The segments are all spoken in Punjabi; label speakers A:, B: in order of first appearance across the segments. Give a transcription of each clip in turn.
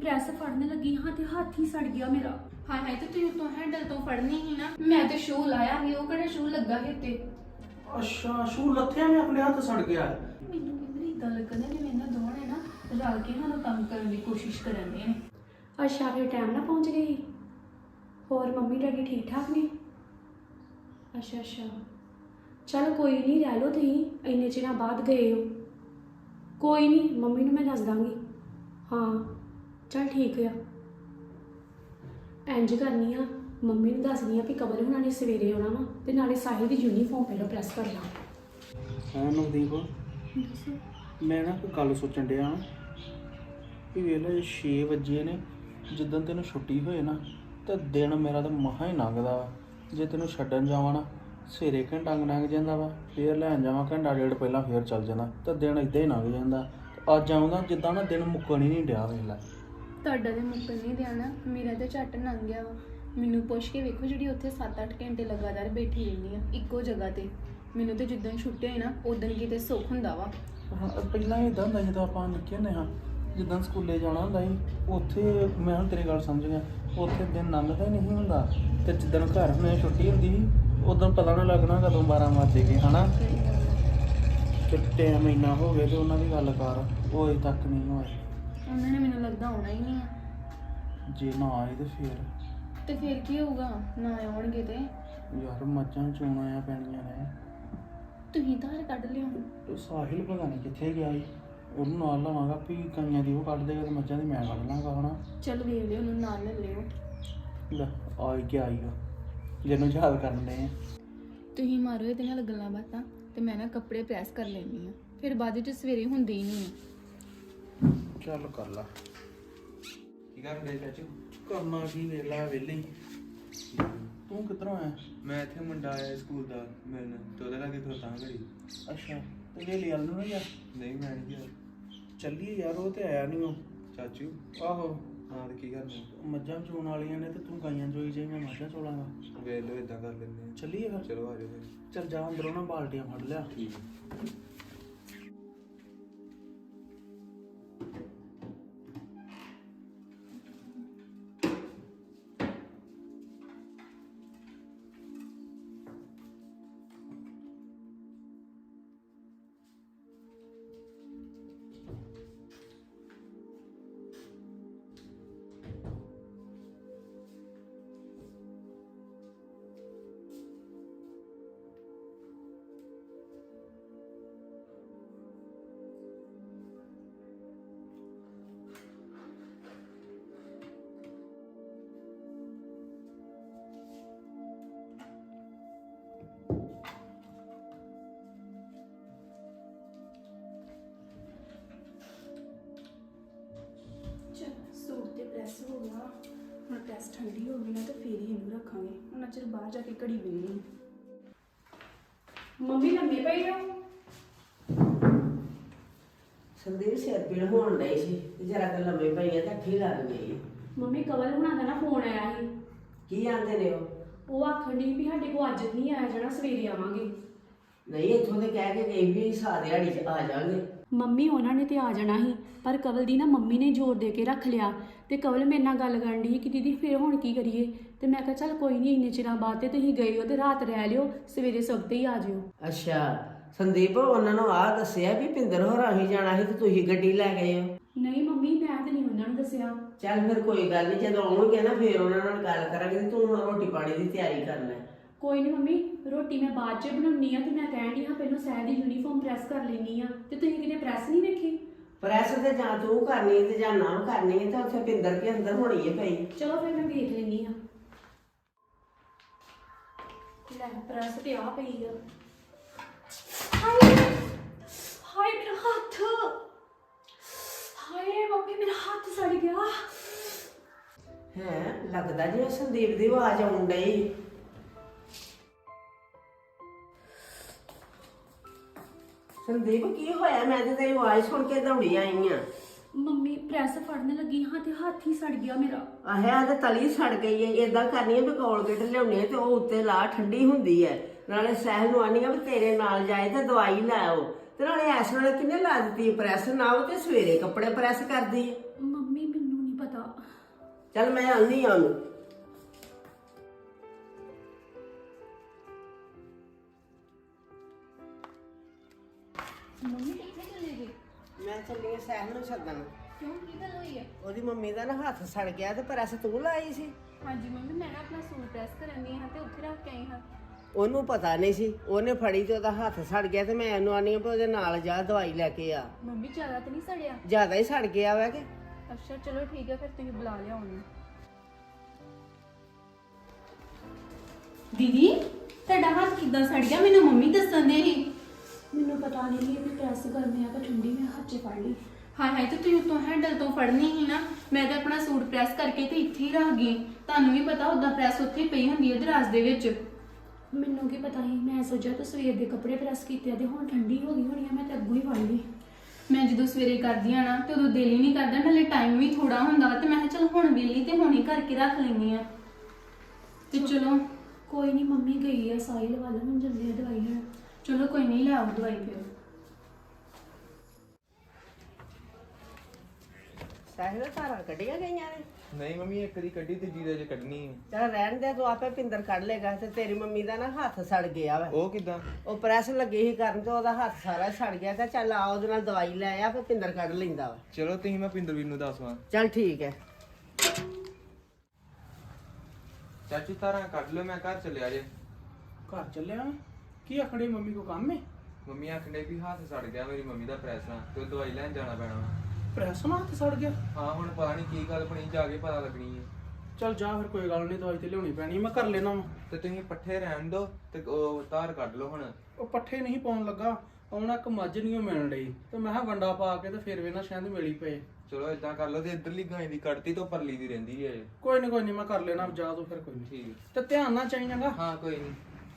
A: ਪ੍ਰੈਸ ਫੜਨ ਲੱਗੀ ਹਾਂ ਤੇ ਹੱਥ ਹੀ ਸੜ ਗਿਆ ਮੇਰਾ।
B: ਹਾਏ ਹਾਏ ਤੇ ਤੂੰ ਤੋਂ ਹੈਂਡਲ ਤੋਂ ਫੜਨੀ ਹੀ ਨਾ। ਮੈਂ ਤੇ ਸ਼ੂ ਲਾਇਆ ਸੀ, ਉਹ ਕਿਹੜਾ ਸ਼ੂ ਲੱਗਾ ਸੀ ਤੇ।
C: ਅੱਛਾ ਸ਼ੂ ਲੱਥਿਆ ਨੇ ਆਪਣੇ ਹੱਥ ਸੜ ਗਿਆ।
B: ਮੈਨੂੰ ਵੀ ਇਦਾਂ ਲੱਗਦਾ ਜਿਵੇਂ ਇਹਨਾਂ ਦੋਵਾਂ ਨੇ ਨਾ ਰਲ ਕੇ ਸਾਨੂੰ ਤੰਗ ਕਰਨ ਦੀ ਕੋਸ਼ਿਸ਼ ਕਰਨ ਦੇ ਨੇ।
A: ਅੱਛਾ ਫਿਰ ਟਾਈਮ ਨਾਲ ਪਹੁੰਚ ਗਈ। ਹੋਰ ਮੰਮੀ ਡੈਡੀ ਠੀਕ ਠਾਕ ਨੇ? ਅੱਛਾ ਅੱਛਾ ਚਲ ਕੋਈ ਨਹੀਂ, ਰਹਿ ਲਓ ਤੁਸੀਂ, ਇੰਨੇ ਚਿਰਾਂ ਬਾਅਦ ਗਏ ਹੋ। ਕੋਈ ਨਹੀਂ, ਮੰਮੀ ਨੂੰ ਮੈਂ ਦੱਸ ਦਾਂਗੀ। ਹਾਂ ਚਲ ਠੀਕ ਆ। ਇੰਝ ਕਰਨੀ ਆ, ਮੰਮੀ ਨੂੰ ਦੱਸਦੀ ਆ ਵੀ ਕਬਰ ਹੁਣਾਂ ਨੇ ਸਵੇਰੇ ਆਉਣਾ ਵਾ ਤੇ ਨਾਲੇ ਸਾਹਿਲ ਦੀ ਯੂਨੀਫਾਰਮ ਪਹਿਲਾਂ ਪ੍ਰੈਸ ਕਰ ਲਾਂ।
C: ਹਾਂ ਨਵਦੀਪ, ਮੈਂ ਨਾ ਕੋਈ ਗੱਲ ਸੋਚਣ ਡਿਆ ਕਿ ਵੇਲੇ 6 ਵਜੇ ਨੇ, ਜਿੱਦਣ ਤੈਨੂੰ ਛੁੱਟੀ ਹੋਏ ਨਾ ਤਾਂ ਦਿਨ ਮੇਰਾ ਤਾਂ ਮਹਾ ਹੀ ਲੰਘਦਾ ਵਾ। ਜੇ ਤੈਨੂੰ ਛੱਡਣ ਜਾਵਾਂ ਨਾ ਸਵੇਰੇ ਘੰਟਾ ਲੰਘ ਜਾਂਦਾ ਵਾ, ਫੇਰ ਲੈਣ ਜਾਵਾਂ ਘੰਟਾ ਡੇਢ ਪਹਿਲਾਂ ਫੇਰ ਚੱਲ ਜਾਂਦਾ, ਤਾਂ ਦਿਨ ਇੱਦਾਂ ਹੀ ਲੰਘ ਜਾਂਦਾ। ਅੱਜ ਆਉਂਦਾ ਜਿੱਦਾਂ ਨਾ ਦਿਨ ਮੁੱਕਣ ਹੀ ਨਹੀਂ ਡਿਆ। ਵੇਖ ਲੈ
B: ਤੁਹਾਡਾ ਤੇ ਮੁੱਕਣ ਨਹੀਂ ਦੇਣਾ, ਮੇਰਾ ਤੇ ਝੱਟ ਲੰਘ ਗਿਆ ਵਾ। ਮੈਨੂੰ ਪੁੱਛ ਕੇ ਵੇਖੋ, ਜਿਹੜੀ ਉੱਥੇ 7-8 ਘੰਟੇ ਲਗਾਤਾਰ ਬੈਠੀ ਰਹਿੰਦੀ ਆ ਇੱਕੋ ਜਗ੍ਹਾ ਤੇ, ਮੈਨੂੰ ਤੇ ਜਿੱਦਾਂ ਛੁੱਟੇ ਹੋਏ ਨਾ ਉਦੋਂ ਕਿਤੇ ਸੁੱਖ ਹੁੰਦਾ ਵਾ।
C: ਹਾਂ ਪਹਿਲਾਂ ਇੱਦਾਂ ਹੁੰਦਾ ਜਦੋਂ ਆਪਾਂ ਨਿੱਕੇ ਹੁੰਦੇ ਹਾਂ, ਜਿੱਦਾਂ ਸਕੂਲੇ ਜਾਣਾ ਹੁੰਦਾ ਸੀ ਉੱਥੇ, ਮੈਂ ਹੁਣ ਤੇਰੀ ਗੱਲ ਸਮਝ ਗਿਆ, ਉੱਥੇ ਦਿਨ ਲੰਘਦਾ ਹੀ ਨਹੀਂ ਹੁੰਦਾ। ਤੇ ਜਿੱਦਣ ਘਰ ਹੁਣੇ ਛੁੱਟੀ ਹੁੰਦੀ ਸੀ ਉਦੋਂ ਪਤਾ ਨਾ ਲੱਗਣਾ ਕਦੋਂ 12 ਵੱਜ ਗਏ ਹੈ ਨਾ। ਤੇ ਟਾਈਮ ਇੰਨਾ ਹੋ ਗਿਆ ਤੇ ਉਹਨਾਂ ਦੀ ਗੱਲ ਕਰ, ਉਹ ਅਜੇ ਤੱਕ ਨਹੀਂ ਹੋਏ।
B: ਉਹਨਾਂ ਨੇ ਮੈਨੂੰ ਲੱਗਦਾ ਆਉਣਾ ਹੀ ਨਹੀਂ ਆ।
C: ਜੇ ਨਾ ਆਏ ਤੇ
B: ਫਿਰ ਕੀ ਹੋਊਗਾ ਨਾ ਆਉਣਗੇ ਤੇ?
C: ਯਾਰ ਮੱਝਾਂ ਚੋਣਾਂ ਆ ਪੈਣੀਆਂ ਨੇ।
B: ਤੁਸੀਂ ਧਾਰ ਕੱਢ ਲਿਓ।
C: ਤੇ ਸਾਹਿਲ ਪਤਾ ਨਹੀਂ ਕਿੱਥੇ ਗਿਆ ਸੀ, ਉਹਨੂੰ ਨਾਲ ਲਵਾਂਗਾ ਵੀ ਕਈਆਂ ਦੀ ਉਹ ਕੱਢ ਦੇਗਾ ਤੇ ਮੱਝਾਂ ਦੀ ਮੈਂ ਕੱਢ ਲਾਂਗਾ ਹਨਾ।
B: ਚੱਲ ਵੇਖ ਲਿਓ, ਉਹਨੂੰ ਨਾਲ ਲੈ ਲਿਓ।
C: ਲੈ ਆ ਹੀ ਗਿਆ ਆਈਗਾ ਜਿਹਨੂੰ ਯਾਦ ਕਰਨ ਦੇ ਆ।
B: ਤੁਸੀਂ ਮਾਰੋ ਇਹਦੇ ਨਾਲ ਗੱਲਾਂ ਬਾਤਾਂ ਤੇ ਮੈਂ ਨਾ ਕੱਪੜੇ ਪ੍ਰੈਸ ਕਰ ਲੈਂਦੀ ਆ, ਫਿਰ ਬਾਅਦ ਵਿੱਚ ਸਵੇਰੇ ਹੁੰਦੇ ਹੀ ਨਹੀਂ ਆ।
C: ਚੱਲ ਕਰ ਲਾ। ਕੀ ਕਰਦੇ ਚਾਚੂ? ਕਰਨਾ ਕੀ, ਵੇਲਾ ਵੇਲੇ। ਤੂੰ ਕਿੱਧਰੋਂ ਆਇਆ?
D: ਮੈਂ ਇੱਥੇ ਮੁੰਡਾ ਆਇਆ ਸਕੂਲ ਦਾ ਮਿਲਣ, ਤੇ ਉਹਦੇ ਲਾਗੇ ਖਲੋਤਾ ਘੜੀ।
C: ਅੱਛਾ ਤੇ ਵੇਲੇ ਵਾਲ ਨੂੰ ਨਾ ਯਾਰ
D: ਨਹੀਂ ਮੈਂ ਨਹੀਂ ਗਿਆ।
C: ਚੱਲੀਏ ਯਾਰ, ਉਹ ਤੇ ਆਇਆ ਨਹੀਂ ਉਹ।
D: ਚਾਚੂ
C: ਆਹੋ
D: ਹਾਂ ਤੇ ਕੀ ਕਰਨਾ?
C: ਮੱਝਾਂ ਚੋਣ ਵਾਲੀਆਂ ਨੇ ਤੇ ਤੂੰ ਗਾਈਆਂ ਚੋਈ ਜਾਈ, ਮੈਂ ਮੱਝਾਂ ਚੋਲਾਂਗਾ।
D: ਵੇਖ ਲਓ ਇਦਾਂ ਕਰ ਲੈਂਦੇ ਆ।
C: ਚੱਲੀਏ ਫਿਰ।
D: ਚਲੋ ਆ ਜਾਓ ਫਿਰ।
C: ਚੱਲ ਜਾ ਅੰਦਰੋਂ ਨਾ ਬਾਲਟੀਆਂ ਫੜ ਲਿਆ।
D: ਠੀਕ ਹੈ।
A: ਸੂਟ ਤੇ ਪ੍ਰੈਸ ਹੋ ਗਿਆ, ਹੁਣ ਪ੍ਰੈਸ ਠੰਡੀ ਹੋ ਗਈ ਨਾ ਤੇ ਫੇਰ ਹੀ ਇਹਨੂੰ ਰੱਖਾਂਗੇ। ਉਹਨਾਂ ਚਿਰ ਬਾਹਰ ਜਾ ਕੇ ਘੜੀ ਬਣੀ। ਮੰਮੀ ਲੰਮੇ ਪਈ ਹੋ?
E: ਸੰਦੀਪ ਸਿਰ ਪੀੜ ਹੋਣ ਡਈ ਸੀ ਤੇ ਜਰਾ ਕੁ ਲੰਮੇ ਪਈ ਆ ਤਾਂ ਅੱਖੀ ਲੱਗ ਗਈ।
A: ਮੰਮੀ ਕਵਲ ਹੁਣਾਂ ਦਾ ਨਾ ਫੋਨ ਆਇਆ ਸੀ।
E: ਕੀ ਆਂਦੇ ਨੇ
A: ਉਹ ਆਖਣ ਡਈ ਵੀ ਸਾਡੇ ਕੋਲ ਅੱਜ ਨਹੀਂ ਆਇਆ ਜਾਣਾ, ਸਵੇਰੇ ਆਵਾਂਗੇ।
E: ਨਹੀਂ ਇੱਥੋਂ ਤੇ ਕਹਿ ਕੇ ਗਈ ਵੀ ਸਾਰੀ ਦਿਹਾੜੀ 'ਚ ਆ ਜਾਾਂਗੇ।
A: ਮੰਮੀ ਉਹਨਾਂ ਨੇ ਤੇ ਆ ਜਾਣਾ ਸੀ, ਪਰ ਕਵਲ ਦੀ ਨਾ ਮੰਮੀ ਨੇ ਜ਼ੋਰ ਦੇ ਕੇ ਰੱਖ ਲਿਆ। ਤੇ ਕਵਲ ਮੇਰੇ ਨਾਲ ਗੱਲ ਕਰਨ ਡਈ ਕਿ ਦੀਦੀ ਫਿਰ ਹੁਣ ਕੀ ਕਰੀਏ। ਤੇ ਮੈਂ ਕਿਹਾ ਚੱਲ ਕੋਈ ਨਹੀਂ, ਇੰਨੇ ਚਿਰਾਂ ਬਾਅਦ ਤੇ ਤੁਸੀਂ ਗਏ ਹੋ ਤੇ ਰਾਤ ਰਹਿ ਲਿਓ, ਸਵੇਰੇ ਸਵਖਤੇ ਹੀ ਆ ਜਿਓ।
E: ਅੱਛਾ ਸੰਦੀਪ, ਉਹਨਾਂ ਨੂੰ ਆਹ ਦੱਸਿਆ ਵੀ ਪਿੰਦਰ ਹੋਰਾਂ ਹੀ ਜਾਣਾ ਸੀ ਤੇ ਤੁਸੀਂ ਗੱਡੀ ਲੈ ਗਏ ਹੋ?
A: ਨਹੀਂ ਮੰਮੀ, ਮੈਂ ਤੇ ਨਹੀਂ ਉਹਨਾਂ ਨੂੰ ਦੱਸਿਆ।
E: ਚੱਲ ਫਿਰ ਕੋਈ ਗੱਲ ਨਹੀਂ, ਜਦੋਂ ਆਉਣਗੇ ਨਾ ਫਿਰ ਉਹਨਾਂ ਨਾਲ ਗੱਲ ਕਰਾਂਗੇ ਤੇ ਤੂੰ ਹੁਣ ਰੋਟੀ ਪਾਣੀ ਦੀ ਤਿਆਰੀ ਕਰ ਲੈ।
A: ਕੋਈ ਨਹੀਂ ਮੰਮੀ, ਰੋਟੀ ਮੈਂ ਬਾਅਦ 'ਚ ਬਣਾਉਣੀ ਆ। ਤੇ ਮੈਂ ਕਹਿਣ ਡਈ ਹਾਂ ਪਹਿਲਾਂ ਸਹਿ ਦੀ ਯੂਨੀਫਾਰਮ ਪ੍ਰੈਸ ਕਰ ਲੈਣੀ ਆ। ਤੇ ਤੁਸੀਂ ਕਿਤੇ ਪ੍ਰੈਸ ਨਹੀਂ ਵੇਖੀ?
E: ਪ੍ਰੈਸ ਤੇ ਜਾਂ ਤੂੰ ਕਰਨੀ ਤੇ ਜਾਂ ਨਾ ਕਰਨੀ ਹੈ ਤਾਂ ਉੱਥੇ ਪਿੰਦਰ ਕੇ ਅੰਦਰ ਹੋਣੀ ਹੈ ਪਈ।
A: ਚਲੋ ਫਿਰ ਮੈਂ ਵੇਖ ਲੈਣੀ ਆ। ਲੈ ਪ੍ਰੈਸ ਤੇ ਆ ਪਈ ਆ। ਹਾਏ ਹਾਏ ਮੇਰਾ ਹੱਥ, ਹਾਏ ਮੰਮੀ ਮੇਰਾ ਹੱਥ ਸੜ ਗਿਆ।
E: ਹੈ ਲੱਗਦਾ ਜਿਵੇਂ ਸੰਦੀਪ ਦੀ ਆਵਾਜ਼ ਆਉਣ ਡਈ। ਸੰਦੀਪ ਕੀ ਹੋਇਆ? ਮੈਂ ਤੇ ਤੇਰੀ ਆਵਾਜ਼ ਸੁਣ ਕੇ ਦੌੜੀ ਆਈ ਆ।
A: ਮੰਮੀ ਪ੍ਰੈਸ ਫੜਨ ਲੱਗੀ ਹਾਂ ਤੇ ਹੱਥ ਹੀ ਸੜ ਗਿਆ ਮੇਰਾ।
E: ਆਹਿਆ ਤੇ ਤਲੀ ਸੜ ਗਈ ਹੈ। ਏਦਾਂ ਕਰਨੀ ਹੈ ਵੀ ਕੋਲਗੇਟ ਲਿਆਉਣੀ ਹੈ ਤੇ ਉਹ ਉੱਤੇ ਲਾ, ਠੰਡੀ ਹੁੰਦੀ ਹੈ। ਨਾਲੇ ਸਹਿਲ ਨੂੰ ਆਨੀ ਆ ਵੀ ਤੇਰੇ ਨਾਲ ਜਾਏ ਤੇ ਦਵਾਈ ਲੈ ਆਓ। ਤੇ ਨਾਲੇ ਇਸ ਵੇਲੇ ਕਿੰਨੇ ਲਾ ਦਿੱਤੀ ਪ੍ਰੈਸ? ਨਾ ਉਹ ਤੇ ਸਵੇਰੇ ਕੱਪੜੇ ਪ੍ਰੈਸ ਕਰਦੀ ਹੈ।
A: ਮੰਮੀ ਮੈਨੂੰ ਨਹੀਂ ਪਤਾ,
E: ਚੱਲ ਮੈਂ ਆਉਂਦੀ ਆ ਉਹਨੂੰ।
B: ਮੰਮੀ ਕਿੱਥੇ ਚਲੇ ਗਏ?
E: ਮੈਂ ਚੱਲੀ ਆ ਸਹਿਲ ਨੂੰ ਛੱਡਣ।
B: ਕਿਉਂ, ਕੀ ਗੱਲ ਹੋਈ ਹੈ?
E: ਉਹਦੀ ਮੰਮੀ ਦਾ ਨਾ ਹੱਥ ਸੜ ਗਿਆ ਤੇ ਪ੍ਰੈਸ ਤੂੰ ਲਾਈ ਸੀ।
B: ਹਾਂਜੀ ਮੰਮੀ, ਮੈਂ ਨਾ ਆਪਣਾ ਸੂਟ ਪ੍ਰੈਸ ਕਰਨ ਦੀ ਹਾਂ ਤੇ ਉੱਥੇ ਰੱਖ ਕੇ ਆਈ ਹਾਂ।
E: ਉਹਨੂੰ ਪਤਾ ਨਹੀਂ ਸੀ, ਉਹਨੇ ਫੜੀ ਤੇ ਉਹਦਾ ਹੱਥ ਸੜ ਗਿਆ ਤੇ ਮੈਂ ਉਹਨੂੰ ਆਨੀ ਆ ਵੀ ਉਹਦੇ ਨਾਲ ਜਾ ਦਵਾਈ ਲੈ ਕੇ ਆ।
B: ਮੰਮੀ ਜ਼ਿਆਦਾ ਤਾਂ ਨਹੀਂ ਸੜਿਆ?
E: ਜ਼ਿਆਦਾ ਹੀ ਸੜ ਗਿਆ ਵਾ ਕਿ।
B: ਅੱਛਾ ਚਲੋ ਠੀਕ ਹੈ, ਫਿਰ ਤੁਸੀਂ ਬੁਲਾ ਲਿਆ ਉਹਨੂੰ। ਦੀਦੀ ਤੁਹਾਡਾ ਹੱਥ ਕਿੱਦਾਂ ਸੜ ਗਿਆ? ਮੈਨੂੰ ਮੰਮੀ ਦੱਸਣ ਦੇ ਸੀ।
A: ਮੈਨੂੰ ਪਤਾ ਨਹੀਂ ਕਿ ਪ੍ਰੈਸ ਕਰਨੇ ਆ ਕਿ ਠੰਡੀ, ਮੈਂ ਹੱਥ 'ਚ ਫੜ ਲਈ।
B: ਹਾਏ ਹਾਏ, ਤੇ ਤੁਸੀਂ ਉਤੋਂ ਹੈਂਡਲ ਤੋਂ ਫੜਨੀ ਸੀ ਨਾ। ਮੈਂ ਤਾਂ ਆਪਣਾ ਸੂਟ ਪ੍ਰੈਸ ਕਰਕੇ ਤੇ ਇੱਥੇ ਹੀ ਰੱਖ ਗਈ। ਤੁਹਾਨੂੰ ਵੀ ਪਤਾ ਉਦਾਂ ਪ੍ਰੈਸ ਉੱਥੇ ਪਈ ਹੁੰਦੀ ਹੈ ਦਰਾਜ਼ ਦੇ ਵਿੱਚ।
A: ਮੈਨੂੰ ਕੀ ਪਤਾ ਸੀ, ਮੈਂ ਸੋਚਿਆ ਤੂੰ ਸਵੇਰ ਦੇ ਕੱਪੜੇ ਪ੍ਰੈਸ ਕੀਤੇ ਆ ਤੇ ਹੁਣ ਠੰਡੀ ਹੋ ਗਈ ਹੋਣੀ ਆ, ਮੈਂ ਤਾਂ ਅੱਗੋਂ ਹੀ ਫੜ ਲਈ।
B: ਮੈਂ ਜਦੋਂ ਸਵੇਰੇ ਕਰਦੀ ਆ ਨਾ ਤੇ ਉਦੋਂ ਦਿਲ ਹੀ ਨਹੀਂ ਕਰਦਾ, ਨਾਲੇ ਟਾਈਮ ਵੀ ਥੋੜਾ ਹੁੰਦਾ ਵਾ, ਤੇ ਮੈਂ ਕਿਹਾ ਚਲ ਹੁਣ ਵੇਲੀ ਤੇ ਹੁਣ ਹੀ ਕਰਕੇ ਰੱਖ ਲੈਂਦੀ ਆ। ਤੇ ਚਲੋ
A: ਕੋਈ ਨਹੀਂ, ਮੰਮੀ ਗਈ ਆ ਸਾਹਿਲ ਵੱਲ, ਹੁਣ ਜਾਂਦੇ ਆ ਦਵਾਈ ਲੈਣ।
B: ਚਲੋ ਕੋਈ ਨਹੀਂ, ਲੈ ਆਓ ਦਵਾਈ ਫਿਰ।
E: ਸਾਹਿਲ ਧਾਰਾਂ ਕੱਢੀਆਂ ਗਈਆਂ ਨੇ?
D: ਨਹੀਂ ਮੰਮੀ, ਇੱਕ ਦੀ ਕੱਢੀ ਤੇ ਜੀਰੇ 'ਚ ਕੱਢਣੀ ਹੈ।
E: ਚੱਲ ਰਹਿਣ ਦੇ, ਤੂੰ ਆਪੇ ਪਿੰਦਰ ਕੱਢ ਲੇਗਾ। ਤੇ ਤੇਰੀ ਮੰਮੀ ਦਾ ਨਾ ਹੱਥ ਸੜ ਗਿਆ ਵਾ।
D: ਉਹ ਕਿਦਾਂ?
E: ਉਹ ਪ੍ਰੈਸ ਲੱਗੀ ਸੀ ਕਰਨ ਤੇ ਉਹਦਾ ਹੱਥ ਸਾਰਾ ਸੜ ਗਿਆ। ਤੇ ਚੱਲ ਆ ਉਹਦੇ ਨਾਲ ਦਵਾਈ ਲੈ ਆ, ਫਿਰ ਪਿੰਦਰ ਕੱਢ ਲੈਂਦਾ ਵਾ।
D: ਚਲੋ ਤੁਸੀਂ ਮੈਂ ਪਿੰਦਰਵੀਰ ਨੂੰ ਦੱਸਵਾਂ।
E: ਚੱਲ ਠੀਕ ਹੈ।
D: ਚਾਚੂ ਤਾਰਾਂ ਕੱਢ ਲਓ, ਮੈਂ ਘਰ ਚੱਲਿਆ ਜੇ।
C: ਘਰ ਚੱਲਿਆ? ਕੀ ਆਖੜੇ ਮੰਮੀ ਕੋ ਕੰਮ ਹੈ?
D: ਮੰਮੀ ਆਖਣੇ ਵੀ ਹੱਥ ਸੜ ਗਿਆ ਮੇਰੀ ਮੰਮੀ ਦਾ ਪ੍ਰੈਸ ਨਾਲ, ਤੇ ਉਹ ਦਵਾਈ ਲੈਣ ਜਾਣਾ ਪੈਣਾ ਵਾ।
C: ਪ੍ਰੈਸ ਨਾਲ ਹੱਥ ਸੜ ਗਿਆ?
D: ਹਾਂ ਹੁਣ ਪਤਾ ਨਹੀਂ ਕੀ ਗੱਲ ਬਣੀ, ਜਾ ਕੇ ਪਤਾ ਲੱਗਣੀ ਹੈ।
C: ਚੱਲ ਜਾ ਫਿਰ, ਕੋਈ ਗੱਲ ਨਹੀਂ, ਦਵਾਈ ਤੇ ਲਿਆਉਣੀ ਪੈਣੀ, ਮੈਂ ਕਰ ਲੈਣਾ ਵਾ।
D: ਤੇ ਤੁਸੀਂ ਪੱਠੇ ਰਹਿਣ ਦਿਓ ਤੇ ਉਹ ਧਾਰ ਕੱਢ ਲਓ ਹੁਣ।
C: ਉਹ ਪੱਠੇ ਨਹੀਂ ਪਾਉਣ ਲੱਗਾ, ਆਉਣਾ ਇੱਕ ਮੱਝ ਨਹੀਂ ਮਿਲਣ ਡਈ ਤੇ ਮੈਂ ਕਿਹਾ ਵੰਡਾ ਪਾ ਕੇ ਤੇ ਫਿਰ ਵੇ ਨਾ ਸ਼ਾਇਦ ਮਿਲੀ ਪਏ।
D: ਚਲੋ ਇਦਾਂ ਕਰ ਲਓ, ਤੇ ਇੱਧਰਲੀ ਗਾਂ ਦੀ ਕੱਢਤੀ ਤੋਂ ਪਰਲੀ ਦੀ ਰਹਿੰਦੀ ਹੈ।
C: ਕੋਈ ਨਹੀਂ ਮੈਂ ਕਰ ਲੈਣਾ, ਜਾ ਤੂੰ ਫਿਰ, ਕੋਈ ਨਹੀਂ।
D: ਠੀਕ
C: ਤੇ ਧਿਆਨ ਨਾਲ ਚਾਹੀਦਾਗਾ।
D: ਹਾਂ ਕੋਈ ਨਹੀਂ।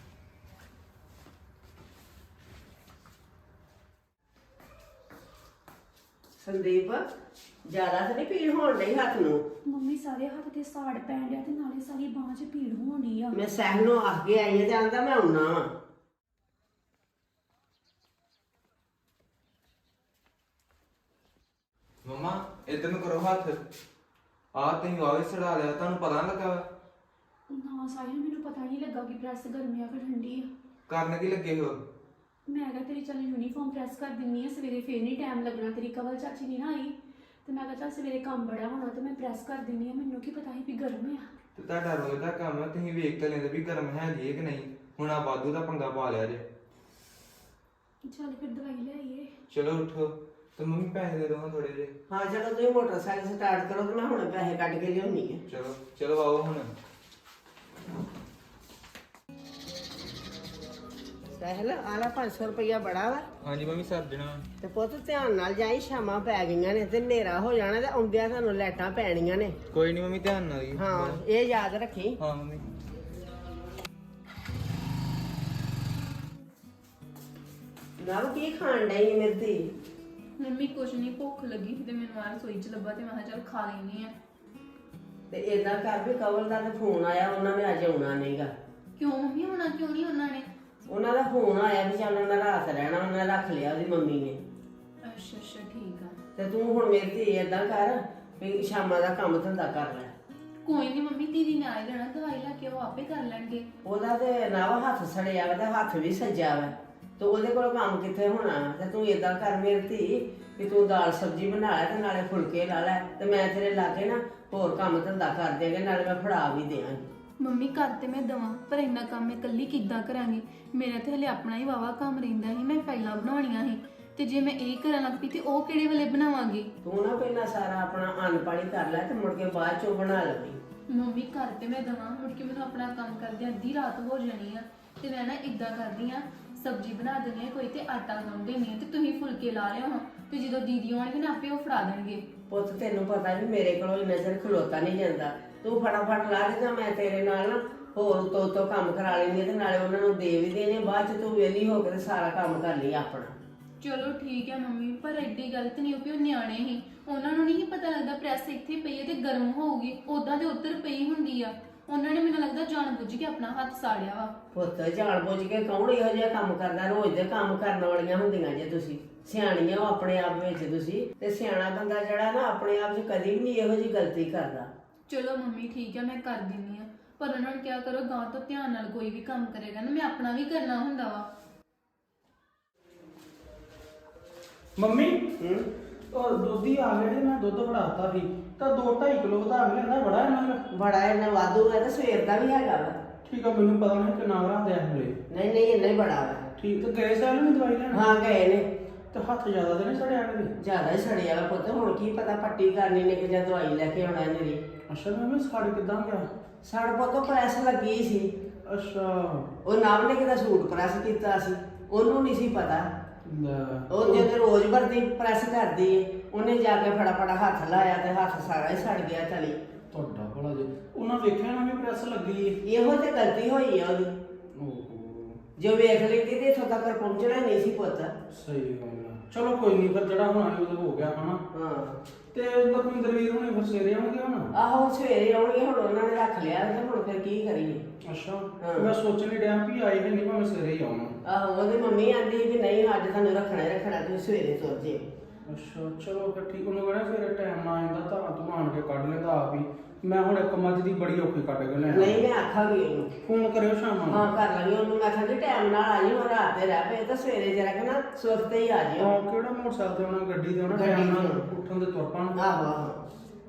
E: ਸੰਦੀਪ, ਜ਼ਿਆਦਾ ਤਾਂ ਨਹੀਂ ਪੀੜ ਹੋਣ ਡਈ ਹੱਥ ਨੂੰ?
A: ਮੰਮੀ ਸਾਰੇ ਹੱਥ ਤੇ ਸਾੜ ਪੈਣ ਡਿਆ ਤੇ ਨਾਲੇ ਸਾਰੀ ਬਾਂਹ 'ਚ ਭੀੜ ਹੋਣ ਡਈ ਆ।
E: ਮੈਂ ਸਹਿਲ ਨੂੰ ਆਖ ਕੇ ਆਈ ਹਾਂ ਤੇ ਆਂਦਾ ਮੈਂ ਆਉਣਾ ਵਾ।
D: ਮਮਾ ਇੱਧਰ ਨੂੰ ਕਰੋ ਹੱਥ। ਆਹ ਤੁਸੀਂ ਆਵੇ ਸੜਾ ਲਿਆ, ਤੁਹਾਨੂੰ ਪਤਾ ਨਾ ਲੱਗਾ?
A: ਨਾ ਸਾਹਿਲ, ਮੈਨੂੰ ਪਤਾ ਨਹੀਂ ਲੱਗਾ ਕਿ ਪ੍ਰੈਸ ਗਰਮੀ ਆ ਕਿ ਠੰਡੀ ਆ।
D: ਕਰਨ ਕੀ ਲੱਗੇ ਹੋ?
A: ਮੈਂ ਕਿਹਾ ਤੇਰੀ ਚੱਲ ਯੂਨੀਫਾਰਮ ਪ੍ਰੈਸ ਕਰ ਦਿੰਨੀ ਆ, ਸਵੇਰੇ ਫੇਰ ਨਹੀਂ ਟਾਈਮ ਲੱਗਣਾ, ਤੇਰੀ ਕਵਲ ਚਾਚੀ ਨਹੀਂ ਨਾ ਆਈ ਤੇ ਮੈਂ ਕਿਹਾ ਚੱਲ ਸਵੇਰੇ ਕੰਮ ਬੜਾ ਹੋਣਾ ਤੇ ਮੈਂ ਪ੍ਰੈਸ ਕਰ ਦਿੰਨੀ ਆ। ਮੈਨੂੰ ਕੀ ਪਤਾ ਸੀ ਵੀ ਗਰਮ ਆ।
D: ਤੇ ਤੁਹਾਡਾ ਰੋਜ਼ ਦਾ ਕੰਮ ਹੈ, ਤੁਸੀਂ ਵੇਖ ਤਾਂ ਲੈਂਦੇ ਵੀ ਗਰਮ ਹੈ ਜੀ ਕਿ ਨਹੀਂ। ਹੁਣ ਆ ਵਾਧੂ ਦਾ ਪੰਗਾ ਪਾ ਲਿਆ ਜੇ।
A: ਚੱਲ ਫਿਰ ਦਵਾਈ ਲੈ ਆਈਏ।
D: ਚਲੋ ਉਠੋ, ਤੇ ਮੰਮੀ ਪੈਸੇ ਦੇ ਦੋ ਥੋੜੇ ਜਿਹੇ।
E: ਹਾਂ ਚਲੋ ਤੁਸੀਂ ਮੋਟਰਸਾਈਕਲ ਸਟਾਰਟ ਕਰੋ ਤੇ ਮੈਂ ਹੁਣ ਪੈਸੇ ਕੱਢ ਕੇ ਲਿਆਉਣੀ ਹੈ।
D: ਚਲੋ ਚਲੋ ਆਓ ਹੁਣ।
E: ਸਹਿਲ, ਆਲਾ 500 ਰੁਪਇਆ ਬੜਾ ਵਾ।
D: ਹਾਂਜੀ ਮੰਮੀ ਸਰ ਦੇਣਾ।
E: ਤੇ ਪੁੱਤ ਧਿਆਨ ਨਾਲ ਜਾਈ, ਸ਼ਾਮਾਂ ਪੈ ਗਈਆਂ ਨੇ ਤੇ ਹਨੇਰਾ ਹੋ ਜਾਣਾ ਤੇ ਆਉਂਦਿਆਂ ਤੁਹਾਨੂੰ ਲਾਈਟਾਂ ਪੈਣੀਆਂ ਨੇ।
D: ਕੋਈ ਨਹੀਂ ਮੰਮੀ, ਧਿਆਨ ਨਾਲ ਹੀ।
E: ਹਾਂ ਇਹ ਯਾਦ ਰੱਖੀ।
D: ਹਾਂ ਮੰਮੀ।
E: ਨਾ ਕੀ ਖਾਣ ਡਈ ਮੇਰੀ ਧੀ?
B: ਮੰਮੀ ਕੁਛ ਨਹੀਂ, ਭੁੱਖ ਲੱਗੀ ਸੀ ਤੇ ਮੈਨੂੰ ਆ ਰਸੋਈ 'ਚ ਲੱਭਾ ਤੇ ਮੈਂ ਕਿਹਾ ਚੱਲ ਖਾ ਲੈਣੀ ਆ।
E: ਤੇ ਏਦਾਂ ਕਰ ਵੀ ਕਵਲ ਦਾ ਤੇ ਫੋਨ ਆਇਆ, ਉਹਨਾਂ ਨੇ ਅੱਜ ਆਉਣਾ ਨਹੀਂਗਾ।
B: ਕਿਉਂ ਮੰਮੀ, ਹੋਣਾ ਕਿਉਂ ਨਹੀਂ ਉਹਨਾਂ ਨੇ?
E: ਉਹਨਾਂ ਦਾ ਫੋਨ ਆਇਆ ਵੀ ਚੱਲ ਉਹਨਾਂ ਰਾਤ ਰਹਿਣਾ, ਉਹਨਾਂ ਨੇ ਰੱਖ ਲਿਆ ਉਹਦੀ ਮੰਮੀ ਨੇ।
B: ਅੱਛਾ ਅੱਛਾ ਠੀਕ ਆ।
E: ਤੇ ਤੂੰ ਹੁਣ ਮੇਰੀ ਧੀ ਏਦਾਂ ਕਰ ਵੀ ਸ਼ਾਮਾਂ ਦਾ ਕੰਮ ਧੰਦਾ ਕਰ ਲੈ।
B: ਕੋਈ ਨਹੀਂ ਮੰਮੀ, ਦੀਦੀ ਨੇ ਆਏ ਜਾਣਾ, ਦਵਾਈ ਲੈ ਕੇ ਉਹ ਆਪੇ ਕਰ ਲੈਣਗੇ।
E: ਉਹਦਾ ਤੇ ਨਾ ਹੱਥ ਸੜਿਆ ਵਾ ਤੇ ਹੱਥ ਵੀ ਸੱਜਿਆ ਵਾ ਤੇ ਉਹਦੇ ਕੋਲ ਕੰਮ ਕਿੱਥੇ ਹੋਣਾ। ਤੇ ਤੂੰ ਏਦਾਂ ਕਰ ਮੇਰੀ ਧੀ ਵੀ ਤੂੰ ਦਾਲ ਸਬਜ਼ੀ ਬਣਾ ਲੈ ਤੇ ਨਾਲੇ ਫੁਲਕੇ ਲਾ ਲੈ ਤੇ ਮੈਂ ਤੇਰੇ ਲਾਗੇ ਨਾ ਹੋਰ ਕੰਮ ਧੰਦਾ ਕਰ ਦੇਂਗੇ, ਨਾਲੇ ਮੈਂ ਫੜਾ ਵੀ ਦਿਆਂਗੀ।
B: ਮੰਮੀ ਕਰ ਤੇ ਮੈਂ ਦਵਾਂ, ਪਰ ਇੰਨਾ ਕੰਮ ਮੈਂ ਇਕੱਲੀ ਕਿੱਦਾਂ ਕਰਾਂਗੀ? ਮੇਰਾ ਤੇ ਹਲੇ ਆਪਣਾ ਹੀ ਵਾਵਾ ਕੰਮ ਰਹਿੰਦਾ ਸੀ, ਮੈਂ ਫਾਈਲਾਂ ਬਣਾਉਣੀਆਂ ਸੀ ਤੇ ਜੇ ਮੈਂ ਇਹ ਕਰਨ ਲੱਗ ਪਈ ਤੇ ਉਹ ਕਿਹੜੇ ਵੇਲੇ ਬਣਾਵਾਂਗੀ?
E: ਤੂੰ ਨਾ ਪਹਿਲਾਂ ਸਾਰਾ ਆਪਣਾ ਅੰਨ ਪਾਣੀ ਕਰ ਲੈ ਤੇ ਮੁੜ ਕੇ ਬਾਅਦ ਚੋਂ ਬਣਾ ਲਵੀਂ।
B: ਮੰਮੀ ਕਰ ਤੇ ਮੈਂ ਦਵਾਂ, ਮੁੜ ਕੇ ਮੈਨੂੰ ਆਪਣਾ ਕੰਮ ਕਰਦਿਆਂ ਅੱਧੀ ਰਾਤ ਹੋ ਜਾਣੀ ਆ ਤੇ ਮੈਂ ਨਾ ਇਦਾਂ ਕਰਦੀ ਆ, ਸਬਜ਼ੀ ਬਣਾ ਦਿੰਦੀ ਆ ਕੋਈ ਤੇ ਆਟਾ ਗੁੰਨ ਦਿੰਦੀ ਆ ਤੇ ਤੁਸੀਂ ਫੁਲਕੇ ਲਾ ਲਿਓ ਹਾਂ ਤੇ ਜਦੋਂ ਦੀਦੀ ਆਉਣਗੇ ਨਾ ਆਪੇ ਉਹ ਫੜਾ ਦੇਣਗੇ।
E: ਪੁੱਤ ਤੈਨੂੰ ਪਤਾ ਵੀ ਮੇਰੇ ਕੋਲੋਂ ਇੰਨਾ ਚਿਰ ਖਲੋਤਾ ਨਹੀਂ ਜਾਂਦਾ, ਤੂੰ ਫਟਾਫਟ ਲਾ ਦੇ ਤਾਂ ਮੈਂ ਤੇਰੇ ਨਾਲ ਨਾ ਹੋਰ ਉਤੋਂ ਕੰਮ ਕਰਾ ਲੈਂਦੀ ਤੇ ਨਾਲੇ ਉਹਨਾਂ ਨੂੰ ਦੇ ਵੀ ਦੇਣੇ, ਬਾਅਦ ਚ ਤੂੰ ਵਿਹਲੀ ਹੋ ਕੇ ਤੇ ਸਾਰਾ ਕੰਮ ਕਰ ਲਈ ਆਪਣਾ।
B: ਚਲੋ ਠੀਕ ਹੈ ਮੰਮੀ, ਪਰ ਐਡੀ ਗਲਤ ਨਹੀਂ ਵੀ ਉਹ ਨਿਆਣੇ ਸੀ, ਉਹਨਾਂ ਨੂੰ ਨਹੀਂ ਪਤਾ ਲੱਗਦਾ ਪ੍ਰੈਸ ਇੱਥੇ ਪਈ ਹੈ ਤੇ ਗਰਮ ਹੋਊਗੀ, ਉਦਾਂ ਤੇ ਉੱਧਰ ਪਈ ਹੁੰਦੀ ਆ। ਉਹਨਾਂ ਨੇ ਮੈਨੂੰ ਲੱਗਦਾ ਜਾਣ ਬੁੱਝ ਕੇ ਆਪਣਾ ਹੱਥ ਸਾੜਿਆ ਵਾ।
E: ਪੁੱਤ ਜਾਣ ਬੁੱਝ ਕੇ ਕੌਣ ਇਹੋ ਜਿਹਾ ਕੰਮ ਕਰਦਾ? ਰੋਜ਼ ਦੇ ਕੰਮ ਕਰਨ ਵਾਲੀਆਂ ਹੁੰਦੀਆਂ ਜੇ ਤੁਸੀਂ, ਸਿਆਣੀਆਂ ਹੋ ਆਪਣੇ ਆਪ ਵਿੱਚ ਤੁਸੀਂ। ਤੇ ਸਿਆਣਾ ਬੰਦਾ ਜਿਹੜਾ ਨਾ ਆਪਣੇ ਆਪ 'ਚ ਕਦੀ ਵੀ ਨਹੀਂ ਇਹੋ ਜਿਹੀ ਗਲਤੀ ਕਰਦਾ।
B: ਚਲੋ ਮੰਮੀ ਠੀਕ ਹੈ, ਮੈਂ ਕਰ ਦਿੰਨੀ ਆ, ਪਰ ਉਹਨਾਂ ਨੂੰ ਕਿਹਾ ਕਰੋ ਗਾਂ ਤੋਂ ਧਿਆਨ ਨਾਲ ਕੋਈ ਵੀ ਕੰਮ ਕਰੇਗਾ ਨਾ, ਮੈਂ ਆਪਣਾ ਵੀ ਕਰਨਾ ਹੁੰਦਾ ਵਾ।
C: ਮੰਮੀ ਉਹ ਦੁੱਧੀ ਆ ਗਏ ਮੈਂ ਦੁੱਧ ਫੜਾਤਾ ਸੀ ਤਾਂ 2.5 ਕਿਲੋ ਵਧਾ ਕੇ ਲੈਂਦਾ ਬੜਾ ਇਹਨਾਂ ਦਾ।
E: ਬੜਾ ਇਹਨਾਂ ਵਾਧੂ ਹੈ ਤੇ ਸਵੇਰ ਦਾ ਵੀ ਹੈਗਾ ਵਾ।
C: ਠੀਕ ਆ, ਮੈਨੂੰ ਪਤਾ ਨਹੀਂ ਕਿੰਨਾ ਰੱਖਦੇ ਆ ਹਲੇ।
E: ਨਹੀਂ ਨਹੀਂ ਇੰਨਾ ਹੀ ਬੜਾ ਵਾ।
C: ਠੀਕ ਤੇ ਗਏ ਸਾਲ ਨੂੰ ਦਵਾਈ ਲੈਣ?
E: ਹਾਂ ਗਏ ਨੇ।
C: ਤੇ ਹੱਥ ਜ਼ਿਆਦਾ ਤੇ ਨਹੀਂ ਸੜਿਆ ਇਹਦੇ?
E: ਜ਼ਿਆਦਾ ਹੀ ਸੜਿਆ ਵਾ ਪੁੱਤ, ਹੁਣ ਕੀ ਪਤਾ ਪੱਟੀ ਕਰਨੀ ਨੇ ਕਿ ਜਾਂ ਦਵਾਈ ਲੈ ਕੇ ਆਉਣਾ ਇਹਨੇ ਦੀ।
C: ਅੱਛਾ ਮੈਂ ਸੜ ਕਿੱਦਾਂ ਗਿਆ?
E: ਸੜ ਪੁੱਤ ਪ੍ਰੈਸ ਲੱਗੀ ਸੀ।
C: ਅੱਛਾ
E: ਉਹ ਨਾਮ ਨੇ ਕਿਦਾ ਸੂਟ ਪ੍ਰੈਸ ਕੀਤਾ ਸੀ, ਉਹਨੂੰ ਨਹੀਂ ਸੀ ਪਤਾ।
C: ਲੈ।
E: ਉਹ ਜਦੋਂ ਰੋਜ਼ ਵਰਦੀ ਪ੍ਰੈਸ ਕਰਦੀ ਏ, ਉਹਨੇ ਜਾ ਕੇ ਫਟਾਫਟ ਹੱਥ ਲਾਇਆ ਤੇ ਹੱਥ ਸਾਰਾ ਹੀ ਸੜ ਗਿਆ ਤਲੀ।
C: ਤੁਹਾਡਾ ਭਲਾ ਜੀ ਉਹਨਾਂ ਵੇਖਿਆ ਨਾ ਵੀ ਪ੍ਰੈਸ ਲੱਗੀ ਏ।
E: ਇਹੋ ਤੇ ਗਲਤੀ ਹੋਈ ਆ ਉਹਦੀ।
C: ਓਹੋ
E: ਜੋ ਵੇਖ ਲੈਂਦੀ ਤੇ ਇੱਥੋਂ ਤੱਕ ਪਹੁੰਚਣਾ ਨਹੀਂ ਸੀ ਪੁੱਤ।
C: ਸਹੀ ਗੱਲ ਆ। ਚਲੋ ਕੋਈ ਨਹੀਂ, ਫਿਰ ਜਿਹੜਾ ਹੋਣਾ ਸੀ ਉਹ ਤਾਂ ਹੋ ਗਿਆ ਹਨਾ।
E: ਹਾਂ
C: ਤੇ ਲਖਵਿੰਦਰ ਵੀਰ ਹੁਣੇ ਫਿਰ ਸਵੇਰੇ ਆਉਣਗੇ ਹੁਣ?
E: ਆਹੋ ਸਵੇਰੇ ਆਉਣਗੇ, ਹੁਣ ਉਹਨਾਂ ਨੇ ਰੱਖ ਲਿਆ ਤੇ ਹੁਣ ਫਿਰ ਕੀ ਕਰੀਏ।
C: ਅੱਛਾ
E: ਹਾਂ।
C: ਮੈਂ ਸੋਚਣ ਹੀ ਡਿਆ ਵੀ ਆਏ ਨਹੀਂ ਭਾਵੇਂ ਸਵੇਰੇ ਹੀ ਆਉਣਾ।
E: ਆਹੋ ਉਹਦੀ ਮੰਮੀ ਆਂਦੀ ਵੀ ਨਹੀਂ ਅੱਜ ਤੁਹਾਨੂੰ ਰੱਖਣਾ ਹੀ ਰੱਖਣਾ, ਤੁਸੀਂ ਸਵੇਰੇ ਤੁਰ ਜੇ।
C: ਅੱਛਾ ਚਲੋ ਫਿਰ ਠੀਕ। ਉਹਨੂੰ ਕਹਿਣਾ ਸਵੇਰੇ ਟਾਈਮ ਨਾਲ ਆਉਂਦਾ ਤਾਂ ਤੂੰ ਆਣ ਕੇ ਕੱਢ ਲੈਂਦਾ ਆਪ ਹੀ। ਮੈਂ ਹੁਣ ਇੱਕ ਮੱਝ ਦੀ ਬੜੀ ਔਖੀ ਕੱਢ ਕੇ ਲੈਣਾ।
E: ਨਹੀਂ ਮੈਂ ਆਖਾਂਗੀ ਉਹਨੂੰ।
C: ਫੋਨ ਕਰਿਓ ਸ਼ਾਮਾਂ ਨੂੰ।
E: ਹਾਂ ਕਰ ਲਾਂਗੀ ਉਹਨੂੰ, ਮੈਂ ਆਖਾਂਗੀ ਟਾਈਮ ਨਾਲ ਆ ਜੀ, ਹੁਣ ਰਾਤ ਦੇ ਰਹਿ ਪਏ ਤਾਂ ਸਵੇਰੇ ਜਰਾ ਕਿ ਨਾ ਸੁਵਖਤੇ ਹੀ ਆ ਜਿਓ।
C: ਹਾਂ ਕਿਹੜਾ ਮੋਟਰਸਾਈਕਲ ਤੇ ਆਉਣਾ, ਗੱਡੀ ਤੇ ਆਉਣਾ,
E: ਗੱਡੀ
C: ਟਾਈਮ ਨਾਲ
E: ਤੇ।
C: ਉੱਠਣ ਦੇ ਤੁਰ ਪਾਣ।
E: ਆਹੋ ਆਹੋ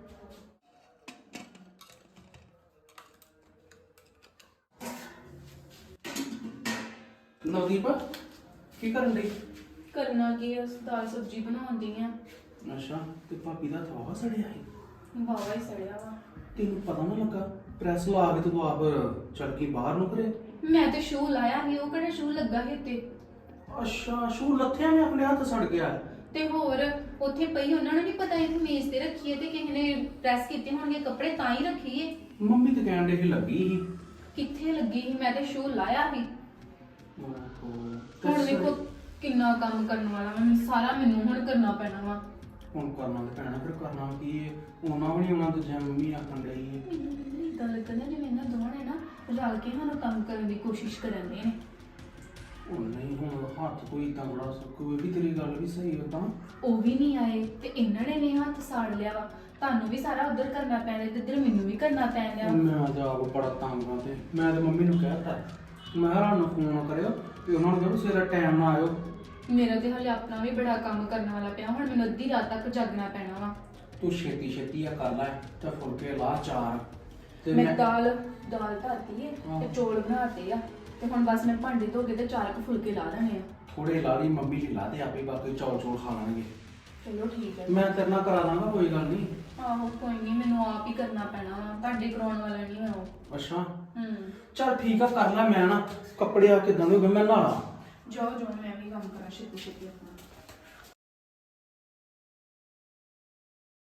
C: ਨਵਦੀਪ ਕੀ ਕਰਨ ਡਈ?
B: ਕਰਨਾ ਕੀ ਆ, ਦਾਲ ਸਬਜ਼ੀ ਬਣਾਉਂਦੀ ਆ।
C: ਅੱਛਾ ਤੇ ਭਾਬੀ ਦਾ ਥਵਾ ਸੜਿਆ ਸੀ?
B: ਵਾਵਾ ਹੀ ਸੜਿਆ ਵਾ।
C: ਤੈਨੂੰ ਪਤਾ ਨਾ ਲੱਗਾ? ਪ੍ਰੈਸ ਲਾ ਕੇ ਤੂੰ ਆਪ ਚੱਲ ਗਈ ਬਾਹਰ ਨੂੰ ਕਰੇ।
B: ਮੈਂ ਤੇ ਸ਼ੂ ਲਾਇਆ ਸੀ, ਉਹ ਕਿਹੜਾ ਸ਼ੂ ਲੱਗਾ ਸੀ ਉੱਤੇ।
C: ਅੱਛਾ ਸ਼ੂ ਲੱਥਿਆ ਨੇ ਆਪਣੇ ਹੱਥ ਸੜ ਗਿਆ।
B: ਤੇ ਹੋਰ ਉੱਥੇ ਪਈ, ਉਹਨਾਂ ਨੂੰ ਨਹੀਂ ਪਤਾ ਇਹ ਮੇਜ਼ ਤੇ ਰੱਖੀ ਹੈ ਤੇ ਕਿਸੇ ਨੇ ਪ੍ਰੈਸ ਕੀਤੇ ਹੋਣਗੇ ਕੱਪੜੇ ਤਾਂ ਹੀ ਰੱਖੀ ਏ।
C: ਮੰਮੀ ਤੇ ਕਹਿਣ ਦੇ ਸੀ ਲੱਗੀ ਸੀ।
B: ਕਿੱਥੇ ਲੱਗੀ ਸੀ, ਮੈਂ ਤੇ ਸ਼ੂ ਲਾਇਆ ਸੀ।
C: ਓਹੋ
B: ਹੁਣ ਵੇਖੋ ਕਿੰਨਾ ਕੰਮ ਕਰਨ ਵਾਲਾ ਵਾ, ਸਾਰਾ ਮੈਨੂੰ ਹੁਣ ਕਰਨਾ ਪੈਣਾ ਵਾ।
C: ਹੁਣ ਕਰਨਾ ਤੇ ਪੈਣਾ, ਫਿਰ ਕਰਨਾ ਕੀ ਏ? ਉਹਨਾਂ ਵੀ ਨਹੀਂ ਆਉਣਾ ਤੇ ਜਾਂ ਮੰਮੀ ਆਖਣ ਡਈ ਏ।
B: ਮੈਨੂੰ ਇਦਾਂ ਲੱਗਦਾ ਜਿਵੇਂ ਇਹਨਾਂ ਦੋਵਾਂ ਨੇ ਨਾ ਰਲ ਕੇ ਸਾਨੂੰ ਕੰਮ ਕਰਨ ਦੀ ਕੋਸ਼ਿਸ਼ ਕਰਨ ਦੇ ਨੇ।
C: ਹੁਣ ਨਹੀਂ, ਹੁਣ ਹੱਥ ਕੋਈ ਤਾਂ ਬੜਾ ਸੁੱਕੂ। ਇਹ ਵੀ ਤੇਰੀ ਗੱਲ ਵੀ ਸਹੀ ਹੈ ਤਾਂ।
B: ਉਹ ਵੀ ਨਹੀਂ ਆਏ ਤੇ ਇਹਨਾਂ ਨੇ ਵੀ ਹੱਥ ਸਾੜ ਲਿਆ ਵਾ। ਤੁਹਾਨੂੰ ਵੀ ਸਾਰਾ ਉਧਰ ਕਰਨਾ ਪੈਣਾ ਤੇ ਇੱਧਰ ਮੈਨੂੰ ਵੀ ਕਰਨਾ ਪੈਣਾ।
C: ਮੈਂ ਅੱਜ ਆਪ ਬੜਾ ਤੰਗ ਆ ਤੇ ਮੈਂ ਤੇ ਮੰਮੀ ਨੂੰ ਕਹਿਤਾ ਮੈਂ ਕਿਹਾ ਨੂੰ ਫੋਨ ਕਰਿਓ ਤੇ ਉਹਨਾਂ ਨੂੰ ਕਹੋ ਸਵੇਰੇ ਟਾਈਮ ਨਾਲ ਆਇਓ।
B: ਮੇਰਾ ਤੇ ਹਲੇ ਆਪਣਾ ਵੀ ਬੜਾ ਕੰਮ ਕਰਨ ਵਾਲਾ ਪਿਆ, ਹੁਣ ਮੈਨੂੰ ਅੱਧੀ ਰਾਤ ਤੱਕ ਜਾਗਣਾ ਪੈਣਾ ਵਾ।
C: ਤੂੰ ਛੇਤੀ ਛੇਤੀ ਆ ਕਰ ਲੈ ਤੇ ਫੁਲਕੇ ਲਾ ਚਾਰ ਤੇ
B: ਮੈਂ ਦਾਲ ਧਰਤੀ ਏ
C: ਹਾਂ।
B: ਤੇ ਚੌਲ ਬਣਾਤੇ ਆ ਤੇ ਹੁਣ ਬਸ ਮੈਂ ਭਾਂਡੇ ਧੋ ਕੇ ਤੇ 4 ਫੁਲਕੇ ਲਾ ਦੇਣੇ ਆ।
C: ਥੋੜੇ ਲਾ ਲਈ, ਮੰਮੀ ਲਈ ਲਾ ਦੇ, ਆਪੇ ਬਾਕੀ ਚੌਲ ਚੌਲ ਖਾ ਲਾਂਗੇ।
B: ਚਲੋ ਠੀਕ ਹੈ।
C: ਮੈਂ ਤੇਰੇ ਨਾਲ ਕਰਾ ਦਾਂਗਾ, ਕੋਈ ਗੱਲ ਨਹੀਂ।
B: ਆਹੋ ਕੋਈ ਨਹੀਂ, ਮੈਨੂੰ ਆਪ ਹੀ ਕਰਨਾ ਪੈਣਾ ਵਾ, ਤੁਹਾਡੇ ਕਰਾਉਣ ਵਾਲਾ ਨਹੀਂ ਮੈਂ ਉਹ।
C: ਅੱਛਾ
B: ਚੱਲ
C: ਚੱਲ ਠੀਕ ਆ ਕਰ ਲੈ। ਮੈਂ ਨਾ ਕੱਪੜੇ ਆ ਕਿਦਾਂ ਦੇ ਹੋ ਗਏ, ਮੈਂ ਨਹਾਲਾ।
B: ਜਾਓ ਜਾਓ, ਮੈਂ ਵੀ ਕੰਮ ਕਰਾਂ ਛੇਤੀ ਛੇਤੀ ਆਪਣਾ।